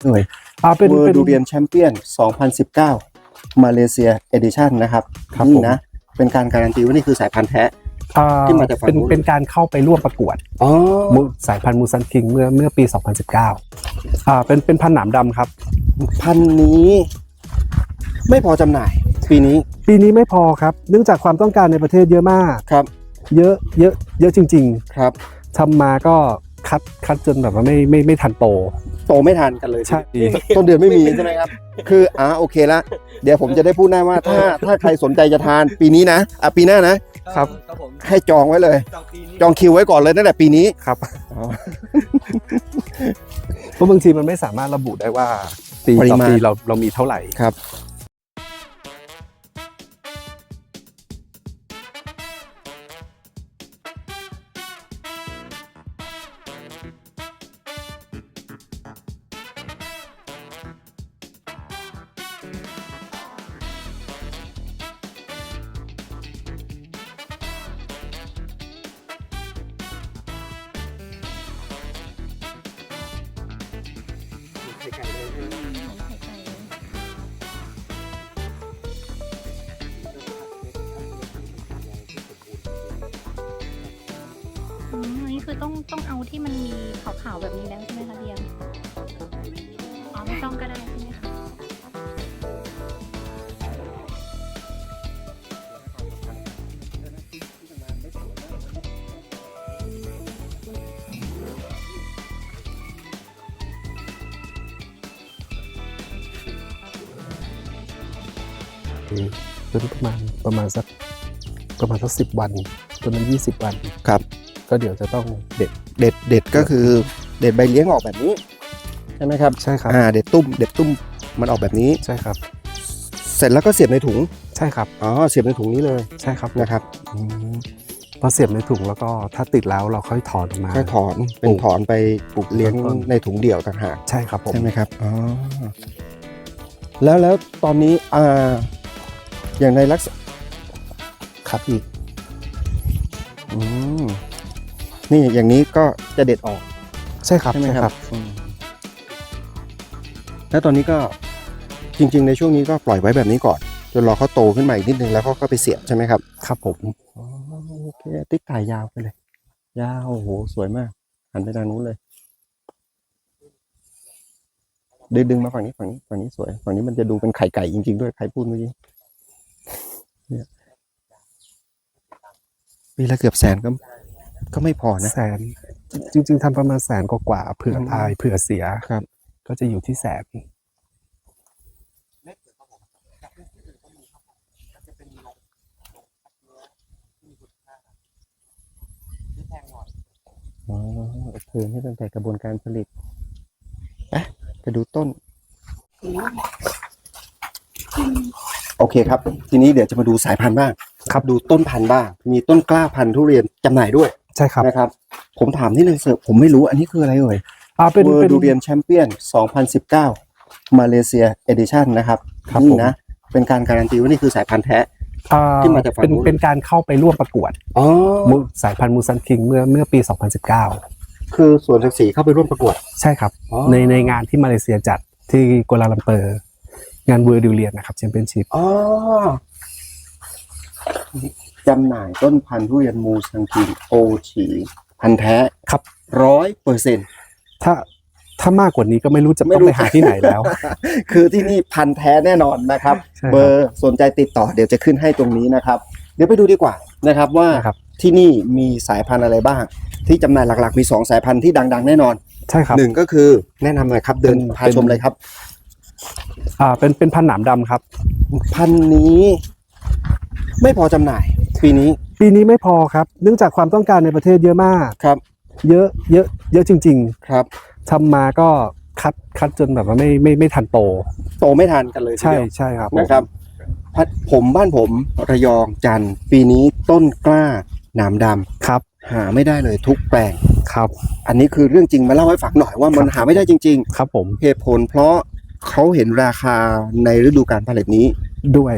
เอ่ยเป็นเวอร์ดูเรียนแชมเปี้ยน 2019 มาเลเซียเอดิชั่นนะครับนี่นะเป็นการการันตีว่านี่คือสายพันธุ์แท้ที่มาจากฝั่งนู้นเป็นการเข้าไปร่วมประกวดสายพันธุ์มูซันคิงเมื่อปี 2019เป็นพันธุ์หนามดำครับพันธุ์นี้ไม่พอจำหน่ายปีนี้ไม่พอครับเนื่องจากความต้องการในประเทศเยอะมากครับเยอะจริงๆครับทำมาก็คัดจนแบบว่าไม่ทันโตไม่ทันกันเลยใช่ต้นเดือนไม่มีใช่ไหมครับคือโอเคละเดี๋ยวผมจะได้พูดได้ว่าถ้าใครสนใจจะทานปีนี้นะปีหน้านะครับให้จองไว้เลยจองคิวไว้ก่อนเลยตั้งแต่ปีนี้ครับเพราะบางทีมันไม่สามารถระบุได้ว่าปีต่อปีเรามีเท่าไหร่ครับนี่คือต้องเอาที่มันมีขาวๆแบบนี้แล้วใช่ไหมคะเรียงไม่ต้องก็ได้ใช่ไหมคะต้นประมาณสัก10 วันต้นนั้น20 วันครับก็เดี๋ยวจะต้องเด็ดก็คือเด็ดใบเลี้ยงออกแบบนี้ใช่ไหมครับใช่ครับเด็ดตุ้มมันออกแบบนี้ใช่ครับเสร็จแล้วก็เสียบในถุงใช่ครับเสียบในถุงนี้เลยใช่ครับนะครับพอเสียบในถุงแล้วก็ถ้าติดแล้วเราค่อยถอนออกมาเป็นถอนไปปลูกเลี้ยงในถุงเดี่ยวต่างหากใช่ครับผมใช่ไหมครับแล้วตอนนี้อย่างในลักษณะครับอีกนี่อย่างนี้ก็จะเด็ดออกใช่ครับใช่ไหมครับแล้วตอนนี้ก็จริงๆในช่วงนี้ก็ปล่อยไว้แบบนี้ก่อนจนรอเขาโตขึ้นมาอีกนิดนึงแล้วก็ไปเสียบใช่ไหมครับครับผมโอเคติ๊กถ่ายยาวไปเลยยาวโอ้โหสวยมากหันไปทางนู้นเลยดึงมาฝั่งนี้สวยฝั่งนี้มันจะดูเป็นไข่ไก่จริงๆด้วยใครพูดเมื่อกี้เนี่ยปีละเกือบ100,000ก็ไม่พอนะ 100,000จริงๆทำประมาณ100,000กว่าเผื่อตายเผื่อเสียครับก็จะอยู่ที่100,000 ให้ตั้งแต่กระบวนการผลิตไปดูต้นโอเคครับทีนี้เดี๋ยวจะมาดูสายพันธุ์บ้างครับดูต้นพันธุ์บ้างมีต้นกล้าพันธุ์ทุเรียนจำหน่ายด้วยใช่ครับนะครับผมถามนิดนึงเสิร์ฟผมไม่รู้อันนี้คืออะไรเป็นเวอร์ดูเรียนแชมเปี้ยน 2019 มาเลเซียเอดิชั่นนะครับนี่นะเป็นการการันตีว่านี่คือสายพันธุ์แท้ที่มาจากฝั่งนู้นเป็นการเข้าไปร่วมประกวดสายพันธุ์มูซันคิงเมื่อปี 2019 คือสวนศักดิ์ศรีเข้าไปร่วมประกวดใช่ครับในงานที่มาเลเซียจัดที่กัวลาลัมเปอร์งานเวอร์ดูเรียนนะครับแชมเปี้ยนชิพจำหน่ายต้นพันธุ์ทุเรียนมูซันคิงโอชีพันธุ์แท้ครับ 100% ถ้ามากกว่านี้ก็ไม่รู้จะต้องไปหาที่ไหนแล้วคือที่นี่พันธุ์แท้แน่นอนนะครับเบอร์สนใจติดต่อเดี๋ยวจะขึ้นให้ตรงนี้นะครับเดี๋ยวไปดูดีกว่านะครับว่าที่นี่มีสายพันธุ์อะไรบ้างที่จำหน่ายหลักๆมี2สายพันธุ์ที่ดังๆแน่นอนใช่ครับ 1ก็คือแนะนำหน่อยครับเดินพาชมเลยครับเป็นพันธุ์หนามดำครับพันธุ์นี้ไม่พอจำหน่ายปีนี้ไม่พอครับเนื่องจากความต้องการในประเทศเยอะมากครับเยอะจริงๆครับทำมาก็คัดจนแบบว่าไม่ทันโตไม่ทันกันเลยใช่ครับนะครับบ้านผมระยองจันทร์ปีนี้ต้นกล้าหนามดำครับหาไม่ได้เลยทุกแปลงครับอันนี้คือเรื่องจริงมาเล่าให้ฟังหน่อยว่ามันหาไม่ได้จริงๆครับผมเหตุผลเพราะเขาเห็นราคาในฤดูกาลผลิตนี้ด้วย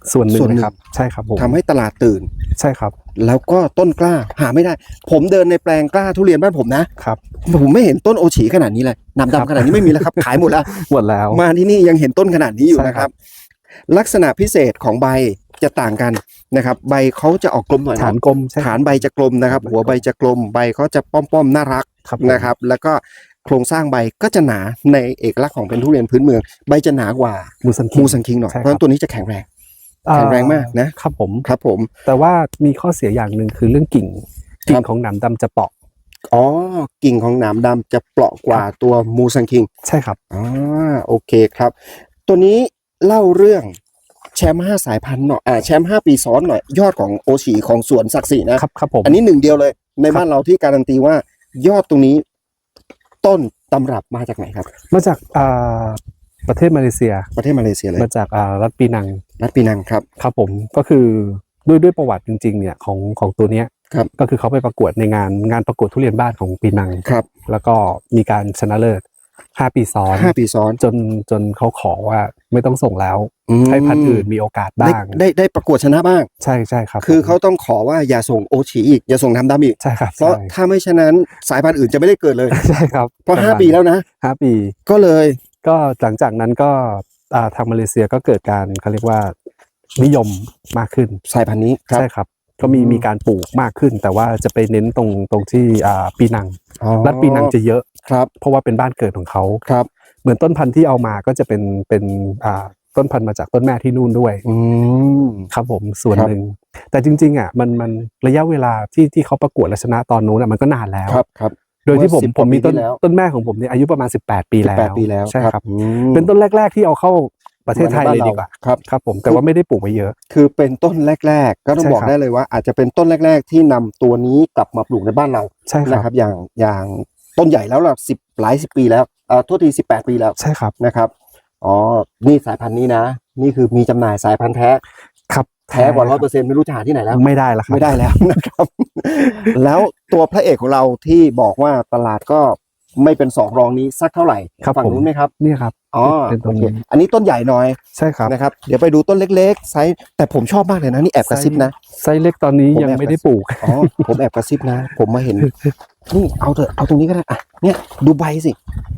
ส่วนหนึ่งส่วนหนึ่งนะครับใช่ครับผมทำให้ตลาดตื่นใช่ครับแล้วก็ต้นกล้าหาไม่ได้ ผมเดินในแปลงกล้าทุเรียนบ้านผมนะครับ ผมไม่เห็นต้นโอฉีขนาดนี้เลยหนามครับดำขนาดนี้ไม่มีแล้วครับ ขายหมดแล้วหมดแล้วมาที่นี่ยังเห็นต้นขนาดนี้อยู่ใช่นะคครัรับบลักษณะพิเศษของใบจะต่างกันนะครับ ใบเขาจะออกกลมหน่อยฐานเนาะกลมใช่ฐานใบจะกลมนะครับ หัวใบจะกลมใบเขาจะป้อมๆน่ารักครับนะครับ แล้วก็โครงสร้างใบก็จะหนาในเอกลักษณ์ของเป็นทุเรียนพื้นเมือง ใบจะหนากว่ามูซันคิงมูสันคิงหน่อยใช่ครับเพราะฉะนั้นตัวนี้จะแข็งแรงแข็งแรงมากนะครับผมครับผมแต่ว่ามีข้อเสียอย่างหนึ่งคือเรื่องกิ่งครับกิ่งของหนามดำจะเปราะอ๋อกิ่งของหนามดำจะเปราะกว่าตัวมูสันคิงใช่ครับโอเคครับ ตัวนี้เล่าเรื่องแชมป์5 สายพันธุ์หน่อยแชมป์5 ปีซ้อนหน่อยยอดของโอชีของสวนศักดิ์ศรีนะครับครับผมอันนี้หนึ่งเดียวเลย ในครับบ้านเราที่การันตีว่ายอดตรงนี้ต้นตำรับมาจากไหนครับมาจากประเทศมาเลเซียประเทศมาเลเซียเลยมาจากรัฐปีนังรัฐปีนังครับครับผมก็คือด้วยประวัติจริงๆเนี่ยของตัวเนี้ยครับก็คือเขาไปประกวดในงานประกวดทุเรียนบ้านของปีนังครับแล้วก็มีการชนะเลิศ5 ปีซ้อน 5 ปีซ้อนจนเขาขอว่าไม่ต้องส่งแล้ว ให้พันธุ์อื่นมีโอกาสได้บ้างได้ประกวดชนะบ้างใช่ใช่ครับคือผมเขาต้องขอว่าอย่าส่งโอชีอีกอย่าส่งน้ำดำอีกใช่ครับเพราะใช่ถ้าไม่ฉะนั้นสายพันธุ์อื่นจะไม่ได้เกิดเลยใช่ครับเพราะ5 ปีแล้วนะ 5 ปีก็เลยก็หลังจากนั้นก็ทางมาเลเซียก็เกิดการเขาเรียกว่านิยมมากขึ้นสายพันธุ์นี้ครับใช่ครับก็มีการปลูกมากขึ้น แต่ว่าจะไปเน้นตรงที่ปีนังอ๋อรัฐปีนังจะเยอะครับเพราะว่าเป็นบ้านเกิดของเขาครับเหมือนต้นพันธุ์ที่เอามาก็จะเป็นต้นพันธุ์มาจากต้นแม่ที่นู่นด้วยอืมครับผมส่วนครับหนึ่งแต่จริงๆอ่ะมันระยะเวลาที่เขาประกวดและชนะตอนนู้นอ่ะมันก็นานแล้วครับครับโดยที่ผมเมื่อ10 ผมมีกว่าปีที่แล้วต้นแม่ของผมเนี่ยอายุประมาณ18 ปีแล้ว 18 ปีแล้วใช่ครับอืมเป็นต้นแรก ๆ ที่เอาเข้าประเทศไทยเลยดีกว่าครับครับผมแต่ว่าไม่ได้ปลูกไว้เยอะคือเป็นต้นแรก ๆ ก็ต้องใช่บอกครับได้เลยว่า อาจจะเป็นต้นแรก ๆ ที่นำตัวนี้กลับมาปลูกในบ้านเราใช่คนะรับครับอย่างต้นใหญ่แล้วล่ะหลายสิบปีแล้วโทษที18 ปีแล้วใช่ครับนะครับอ๋อนี่สายพันธุ์นี้นะ นี่คือมีจำหน่ายสายพันธุ์แท้ครับแท้กว่า100%ไม่รู้จะหาที่ไหนแล้วไม่ได้แล้วครับไม่ได้แล้วนะครับ แล้วตัวพระเอกของเราที่บอกว่าตลาดก็ไม่เป็นสองรองนี้สักเท่าไหร่ครับฝั่งผมนู้นไหมครับเนี่ยครับอ๋อเป็นตรโอง เคนี้อันนี้ต้นใหญ่หน่อยใช่ครับนะครับเดี๋ยวไปดูต้นเล็กๆไซส์แต่ผมชอบมากเลยนะนี่แอบกระซิบนะไซส์เล็กตอนนี้ผมยังแอบไม่ได้ปลูกอ๋อผมแอบกระซิบนะ ผมมาเห็น นี่เอาเถอะเอาตรงนี้ก็ได้อ่ะเนี่ยดูใบสิ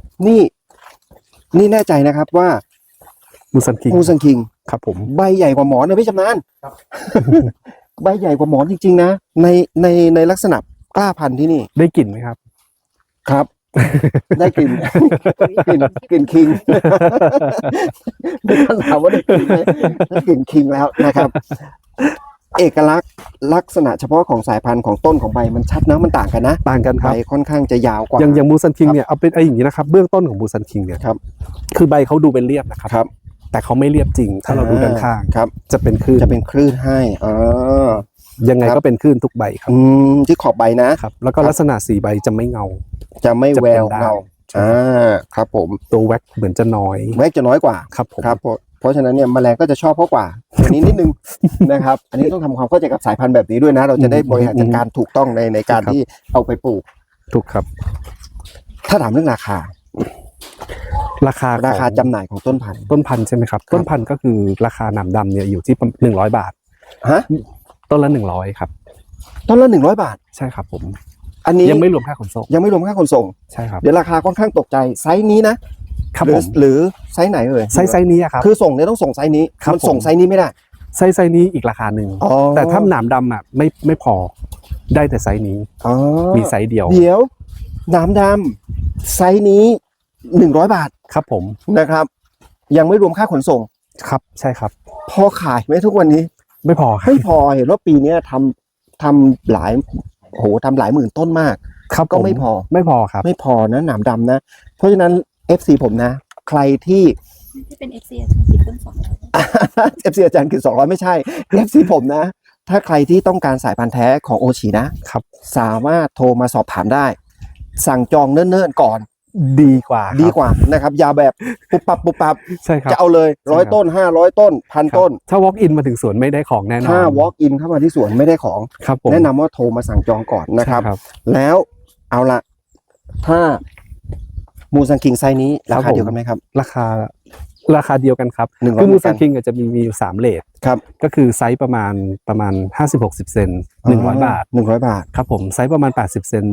นี่แน่ใจนะครับว่ามูซันคิงมูซันคิงครับผมใบใหญ่กว่าหมอนนะพี่ชำนาญ ใบใหญ่กว่าหมอนจริงๆนะในลักษณะกล้าพันธุ์ที่นี่ได้กลิ่นไหมครับครับ ได้กลิ่น กลิ่นคิง ไม่ต้องถามว่าได้กลิ่นไหมได้กลิ่นคิงแล้วนะครับ เอกลักษณ์ลักษณะเฉพาะของสายพันธุ์ของต้นของใบมันชัดนะมันต่างกันนะต่างกันคใบรับค่อนข้างจะยาวกว่าอย่างมูซันคิงเนี่ยเอาเป็นอย่างนี้นะครับเบื้องต้นของมูซันคิงเนี่ยครับคือใบเขาดูเป็นเรียบนะครับครับแต่เขาไม่เรียบจริง ถ้าเราดูด้านข้างครับจะเป็นคลื่นจะเป็นคลื่นให้ยังไงครับก็เป็นคลื่นทุกใบครับที่ขอบใบนะครับ แล้วก็ครับลักษณะสีใบจะไม่เงาจะไม่จะแวเป็นวได้เงาใช่ครับผมตัวแว็กเหมือนจะน้อยแวกจะน้อยกว่าครับผมครับเพราะฉะนั้นเนี่ยแมลงก็จะชอบเขากว่าอันนี้นิดนึง นะครับ อันนี้ต้องทำความเข้าใจกับสายพันธุ์แบบนี้ด้วยนะ เราจะได้บริหารจัดการถูกต้องในการที่เอาไปปลูกถูกครับถ้าถามเรื่องราคาราคาราคาของจำหน่ายของต้นพันธุ์ต้นพันธุ์ใช่ไหมครับ ต้นพันธุ์ก็คือราคาหนามดำเนี่ยอยู่ที่100 บาทฮะต้นละ100ครับต้นละ100 บาทใช่ครับผมอันนี้ยังไม่รวมค่าขนส่งยังไม่รวมค่าขนส่งใช่ครับเดี๋ยวราคาค่อนข้างตกใจไซส์นี้นะครับผมหรือไซส์ไหนเอ่ยไซส์นี้อะครับคือส่งเนี่ยต้องส่งไซส์นี้ครับมันส่งผมไซส์นี้ไม่ได้ไซส์นี้อีกราคาหนึ่งอ๋อแต่ถ้าหนามดำอ่ะไม่พอได้แต่ไซส์นี้อ๋อมีไซส์เดียวเดี๋ยวน้ำดำไซส์นี้100 บาทครับผมนะครับ ยังไม่รวมค่าขนส่งครับใช่ครับพอขายไหมทุกวันนี้ไม่พอครับไม่พอเห็นว่าปีเนี้ยทำหลายทำหลายหมื่นต้นมากครับก็ผไม่พอไม่พอครับไม่พอนะหนามดำนะ เพราะฉะนั้น FC ผมนะ ใครที่ที่เป็น FC อาจารย์คิดต้นสองแล้ว FC อาจารย์คือ200ไม่ใช่ FC ผมนะ ถ้าใครที่ต้องการสายพันธุ์แท้ของโอชินะครับ สามารถโทรมาสอบถามได้ สั่งจองเนิ่นๆก่อนดีกว่าครับดีกว่านะครับอย่าแบบปุบปับใช่ครับจะเอาเลยใช่ครับ 100 ต้น 500 ต้นครับ 1,000 ต้นถ้า walk in มาถึงสวนไม่ได้ของแน่นอนถ้า walk in เข้ามาที่สวนไม่ได้ของครับผมแนะนำว่าโทรมาสั่งจองก่อนนะครับใช่แล้วเอาละถ้ามูซังคิงไซส์นี้ราคาเดียวกันไหมครับราคาราคาเดียวกันครับ 100 คือมูเหมือนกัซันนคิงจะมีอยู่3เลทครับก็คือไซส์ประมาณ50-60 เซน100 บาท 100 บาทครับผมไซส์ประมาณ80 เซน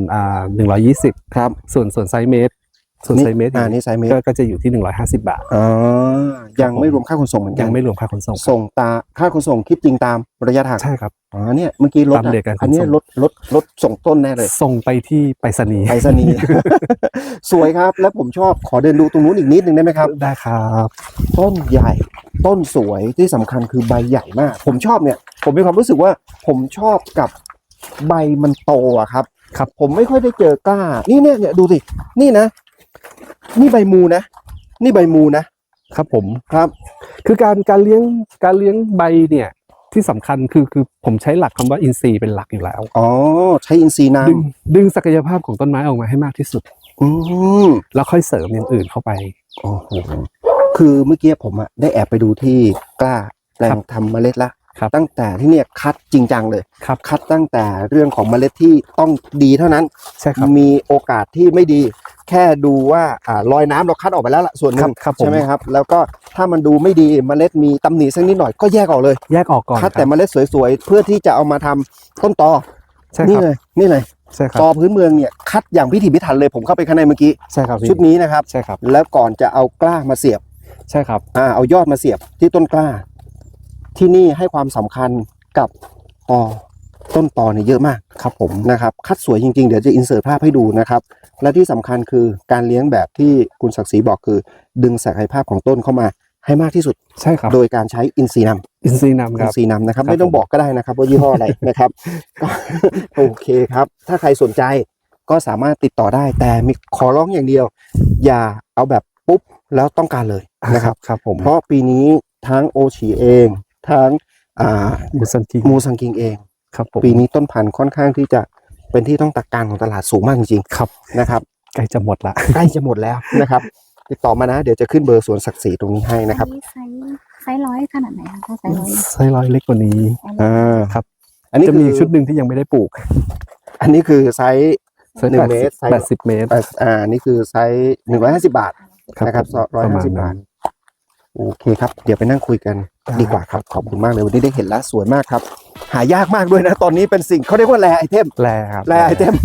120 ครับส่วนไซส์เมตรนี่ไซส์เมตรก็จะอยู่ที่150 บาทอ๋อยังไม่รวมค่าขนส่งเหมือนกัยันงไม่รวมค่าขนส่งส่งค่าขนส่งคิดจริงตามระยะทางใช่ครับอ๋อเนี่ยเมื่อกี้รถตามเรทการขนส่งอันนี้รถส่งต้นแน่เลยส่งไปที่ไปรษณีย์ไปรษณีย์ สวยครับแล้วผมชอบขอเดินดูตรงนู้นอีกนิดนึงได้ไหมครับได้ครับต้นใหญ่ต้นสวยที่สำคัญคือใบใหญ่มาก ผมชอบเนี่ย ผมมีความรู้สึกว่าผมชอบกับใบมันโตอะครับครับผมไม่ค่อยได้เจอกล้า นี่เนี่ยดูสินี่นะ นี่ใบมูนะ นี่ใบมูนะครับผมครับคือการเลี้ยงใบเนี่ยที่สำคัญคือผมใช้หลักคำว่าอินทรีย์เป็นหลักอยู่แล้วอ๋อใช้อินทรีย์น้ดึงศักยภาพของต้นไม้ออกมาให้มากที่สุดำอืมแล้วค่อยเสริมอย่างอื่นเข้าไปโอ้โหคือเมื่อกี้ผมอะได้แอบไปดูที่กล้าแปลครังบทำเมล็ดละครับตั้งแต่ที่เนี่ยคัดจริงจังเลยครับคัดตั้งแต่เรื่องของเมล็ดที่ต้องดีเท่านั้นใช่ครับมีโอกาสที่ไม่ดี แค่ดูว่าลอยน้ำเราคัดออกไปแล้วล่ะส่วนหนึ่งครับผมใช่ไหมครับ แล้วก็ถ้ามันดูไม่ดีเมล็ดมีตำหนิสักนิดหน่อยก็แยกออกเลยแยกออกก่อนคัดคแต่รับเมล็ดสวยๆเพื่อที่จะเอามาทำต้นตอใช่นี่ครับเลยนี่เลยใช่ครับตอพื้นเมืองเนี่ยคัดอย่างพิถีพิถันเลยผมเข้าไปข้างในเมื่อกี้ใช่ครับพี่ชุดนี้นะครับใช่ครับแล้วก่อนจะเอากล้ามาเสียบใช่ครับเอายอดมาเสียบที่ต้นกล้า ที่นี่ให้ความสำคัญกับต้นตอเนี่ยเยอะมากครับผมนะครับคัดสวยจริงๆเดี๋ยวจะอินเสิร์ตภาพให้ดูนะครับและที่สำคัญคือการเลี้ยงแบบที่คุณศักดิ์ศรีบอกคือ ดึงศักยภาพของต้นเข้ามาให้มากที่สุดใช่ครับโดยการใช้อินทรีย์นำอินทรีย์นำคอิรันบทรีย์นำนะครับครับไม่ต้องบอกก็ได้นะครับว่ายี่ห้ออะไร นะครับก็โอเคครับ ถ้าใครสนใจก็สามารถติดต่อได้แต่มีขอร้องอย่างเดียว อย่าเอาแบบปุ๊บแล้วต้องการเลยนะครับครับผมเพราะปีนี้ทั้งโอชีเองทั้งมูซันคิงมูซังกิงเองครับผมปีนี้ต้นพันธุ์ค่อนข้างที่จะเป็นที่ต้องตักการของตลาดสูงมากจริงครับๆนะครับใกล้จะหมดละใกล้จะหมดแล้วนะครับ ติดต่อมานะ เดี๋ยวจะขึ้นเบอร์สวนศักดิ์ศรีตรงนี้ให้นะครับอัไซส์ร้อยขนาดไหนคะถ้าไซส์ร้อยไซส์ร้อยเล็กกว่านี้ ครับอันนี้จะคืมีอชุดหนึ่งที่ยังไม่ได้ปลูกอันนี้คือไซส์ไซส์ 1 เมตรไซส์ 80 เมตรนี่คือไซส์150 บาทนะครับผม 150 บาทโอเคครับ เดี๋ยวไปนั่งคุยกันดีกว่าครับขอบคุณมากเลยวันนี้ได้เห็นแล้วสวยมากครับ หายากมากด้วยนะ ตอนนี้เป็นสิ่งเขาเรียกว่าแรไอเทมแลครับแรไอเทม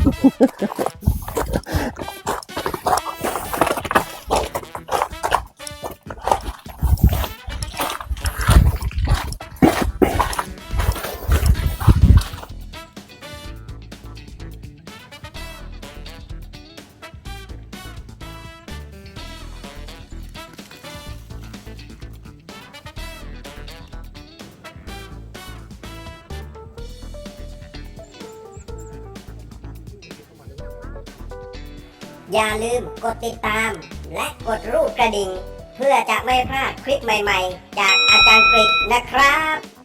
อย่าลืมกดติดตาม และกดรูปกระดิ่ง เพื่อจะไม่พลาดคลิปใหม่ๆ จากอาจารย์กฤษนะครับ